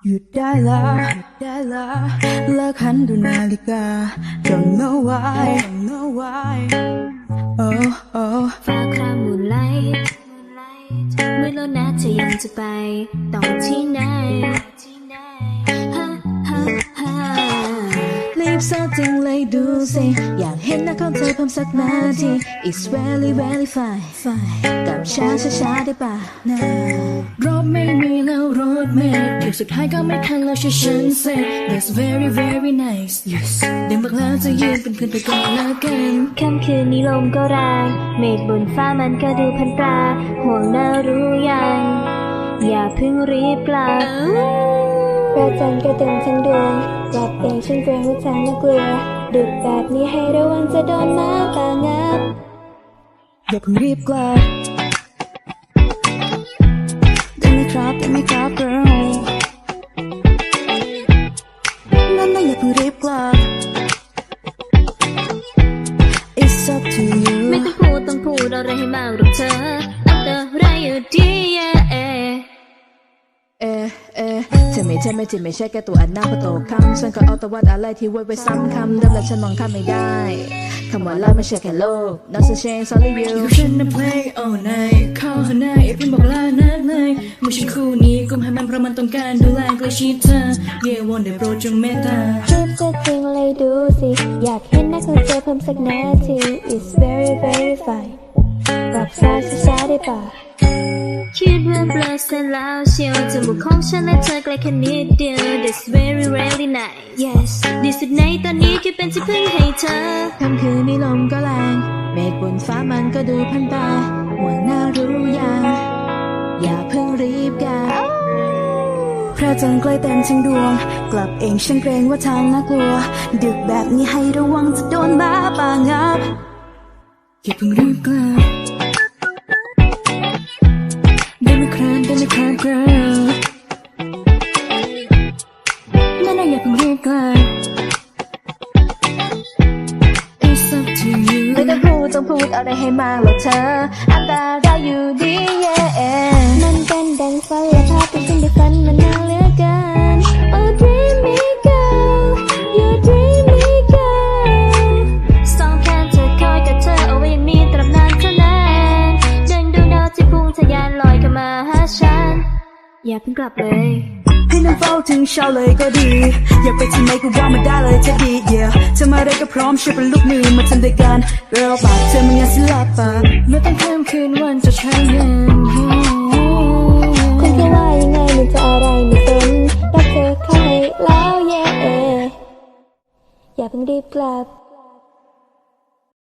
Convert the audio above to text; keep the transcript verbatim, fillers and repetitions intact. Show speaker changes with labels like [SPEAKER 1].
[SPEAKER 1] หยุดได้ละหยุดได้ละเลิกหันดูนาฬิกา Don't know why Don't know why Oh oh
[SPEAKER 2] ฟ้าครามมูนไลท์เมื่อแล้วนะเธอยังจะไปต่อที่ไหน
[SPEAKER 1] รีบเสิร์ชจังเลยดูสิอยากเห็นหน้าของเธอเพิ่มสักนาที It's very very fine fine กับช้าช้าช้าได้ป่ะนะรถไม่มีแล้วรถเมล์เดี๋ยวสุดท้ายก็ไม่ทันแล้วใช่ฉัน say That's very very nice yes เดี๋ยวบอกแล้วจะยืนเป็นเพื่อนไปก่อนละกัน
[SPEAKER 2] ค่ำคืนนี้ลมก็แรงเมฆบนฟ้ามันก็ดูพันตราห่วงหน้ารู้ยังอย่าเพิ่งรีบกลับพระจันทร์ก็เต็มทั้งดวงกลับเองฉันเกรงว่าทางน่ากลัวดึกแบบนี้ให้ระวังจะโดนม้าป่างับ
[SPEAKER 1] อย่าเพิ่งรีบกลับได้ไหมครับได้ไหมครับ girl นั่นน่ะอย่าเพิ่งรีบกลับ It's up to you
[SPEAKER 2] ไม่ต้องพูดต้องพูดอะไรให้มากหรอกเธออันตรายอยู่ดีเย่เอ
[SPEAKER 1] เอเอเธอไม่ใช่ไม่จริงไม่ใช่แค่ตัวอันหน้าพอโตคำฉันก็เอาแต่วัดอะไรที่ไว้ไว้ซ้ำคำเดิมแล้วฉันมองข้ามไม่ได้คำว่าเลิกไม่ใช่แค่โลก Not to change only you อยู่ฉันน่ะ play all night เข้าหาหน้าอย่าเพิ่งบอกลานักเลยไม่ใช่คู่นี้กุมให้มันเพราะมันต้องการดูแลใกล้ชิดเธอ Yeah วอนได้โปรดจงเมตตา
[SPEAKER 2] รีบจะจริงเลยดูสิอยากเห็นหน้าของเธอเพิ่มสักนาที It's very very fine กับช้าช้าได้ป่ะคิดว่าเบลอเสร็จแล้วเชียวจมูกของฉันและเธอใกล้แค่นิดเดียว That's very really nice Yes ดีสุดในตอนนี้แค่เป็นที่พึ่งให้เธอ
[SPEAKER 1] ค่ำคืนนี้ลมก็แรงเมฆบนฟ้ามันก็ดูพันตาห่วงหน้ารู้ยังอย่าเพิ่งรีบกันพระจันทร์ใกล้เต็มทั้งดวงกลับเองฉันเกรงว่าทางน่ากลัวดึกแบบนี้ให้ระวังจะโดนม้าป่างับอย่าเพิ่งรีบกลับgirl นั่นน่ะอย่าเพิ่งรีบกลับ It's up to you ไม่ต้องพูดต้องพูดอะไรให้มากหรอกเธออันตรายอยู่ดี yeah
[SPEAKER 2] มันเป็นดังฝันและภาพที่ฉันได้ฝันมานานเหลือเกิน Oh dream me girl you dream me girl สองแขนเธอคอยกับเธอเอาไว้อย่างนี้ตราบนานเท่านานดังดวงดาวที่พุ่งทะยานลอยเข้ามาหาฉันอย่าเพิ่งกลับเลย
[SPEAKER 1] ให้นั่งเฝ้าถึงเช้าเลยก็ดีอย่าไปที่ไหนก็ว่ามาได้เลยจะดี yeah เธอมาได้ก็พร้อมช่วยเป็นลูกมือมาทำด้วยกัน girl ปากเธอมันยังศิลปะไม่ต้องข้ามคืนวันจะใช้เงิน
[SPEAKER 2] คุณจะว่ายังไงมันจะอะไรไม่สนรักเธอเข้าให้แล้ว yeah อย่าเพิ่งรีบกลับ